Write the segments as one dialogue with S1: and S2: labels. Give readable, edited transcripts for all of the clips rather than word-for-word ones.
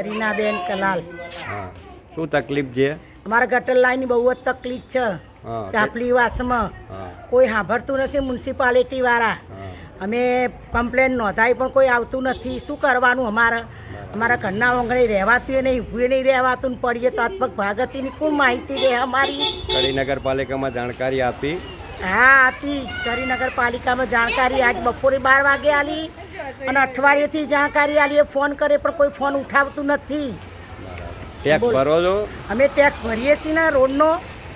S1: રીનાબેન કલાલ.
S2: હા, શું તકલીફ છે?
S1: અમારા ગટર લાઈનની બહુ જ તકલીફ છે. ચાપલી વાસમાં કોઈ સાંભળતું નથી મ્યુનિસિપાલિટી વાળા. અમે કમ્પ્લેન નોંધાઈ પણ કોઈ આવતું નથી. શું કરવાનું અમારા ઘરના ઓંગણે રહેવાતું નહીં, ઊભું નહીં રહેવાતું ને પડીએ તો હાથપગ ભાગતીની કોઈ માહિતી રહે અમારી?
S2: કડી નગરપાલિકામાં જાણકારી આપી?
S1: હા આપી. કડી નગરપાલિકામાં જાણકારી આજ બપોરે 12 વાગે આલી અને અઠવાડિયેથી જાણકારી આલી. ફોન કરે પણ કોઈ ફોન ઉઠાવતું નથી.
S2: ટેક્સ ભરો છો?
S1: અમે ટેક્સ ભરીએ છીએ ને, રોડનો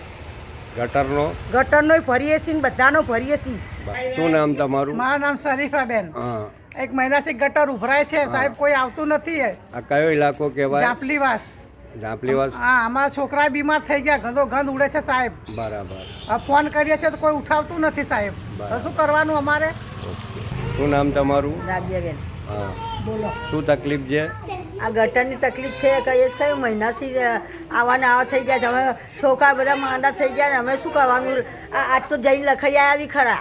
S1: ગટરનો ભરીએ છીએ ને બધાનો ભરીએ છીએ.
S2: શું નામ તમારું?
S3: મારું નામ શરીફાબેન.
S2: હા,
S3: એક મહિનાથી ગટર ઉભરાય છે સાહેબ, કોઈ આવતું નથી.
S2: આ કયો ઇલાકો કહેવાય?
S3: જાપલીવાસ.
S2: જાપલીવાસ.
S3: હા, અમારા છોકરા બીમાર થઈ ગયા, ગંદો ગંદ ઉડે છે સાહેબ.
S2: બરાબર.
S3: ફોન કરીએ છીએ તો કોઈ ઉઠાવતું નથી સાહેબ. તો શું કરવાનું અમારે?
S2: શું નામ તમારું?
S4: રાધ્યાબેન.
S2: હા,
S4: બોલો.
S2: શું તકલીફ છે?
S4: આ ગટરની તકલીફ છે. કઈ મહિનાથી આવા થઈ ગયા. અમે છોકરા બધા માંદા થઈ ગયા ને અમે શું કરવાનું? આજ તો જઈને લખાઈ આવી ખરા.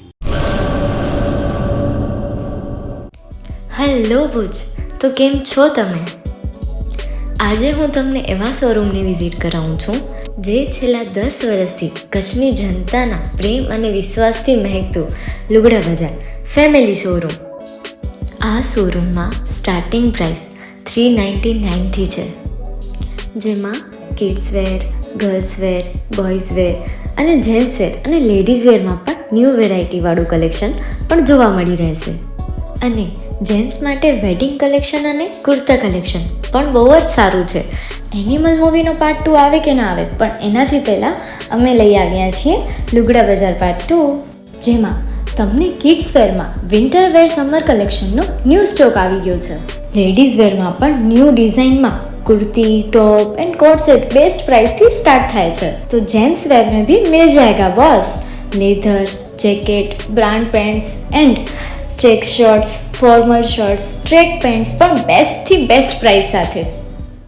S5: હેલો ભુજ, તો કેમ છો તમે? આજે હું તમને એવા શોરૂમની વિઝિટ કરાવું છું જે છેલ્લા 10 વર્ષથી કચ્છની જનતાના પ્રેમ અને વિશ્વાસથી મહેકતું લુગડા બજાર ફેમિલી શોરૂમ. આ શોરૂમમાં સ્ટાર્ટિંગ પ્રાઇસ 399થી છે, જેમાં kids wear, girls wear, boys wear અને જેન્ટ્સ વેર અને લેડીઝ વેરમાં પણ ન્યૂ વેરાયટીવાળું કલેક્શન પણ જોવા મળી રહેશે. અને જેન્ટ્સ માટે વેડિંગ કલેક્શન અને કુર્તા કલેક્શન પણ બહુ જ સારું છે. એનિમલ મૂવીનો પાર્ટ 2 આવે કે ના આવે, પણ એનાથી પહેલાં અમે લઈ આવ્યા છીએ લુગડા બજાર પાર્ટ 2, જેમાં તમને કિડ્સ વેરમાં વિન્ટર વેર સમર કલેક્શનનો ન્યૂ સ્ટોક આવી ગયો છે. લેડીઝ વેરમાં પણ ન્યૂ ડિઝાઇનમાં kurti, top and coat set best price थी स्टार्ट थाय छे. तो जेंट्स वेर में भी मिल जाएगा boss. Leather, jacket, brand pants and check shirts, formal shirts, track pants પણ બેસ્ટ થી બેસ્ટ પ્રાઇસ સાથે.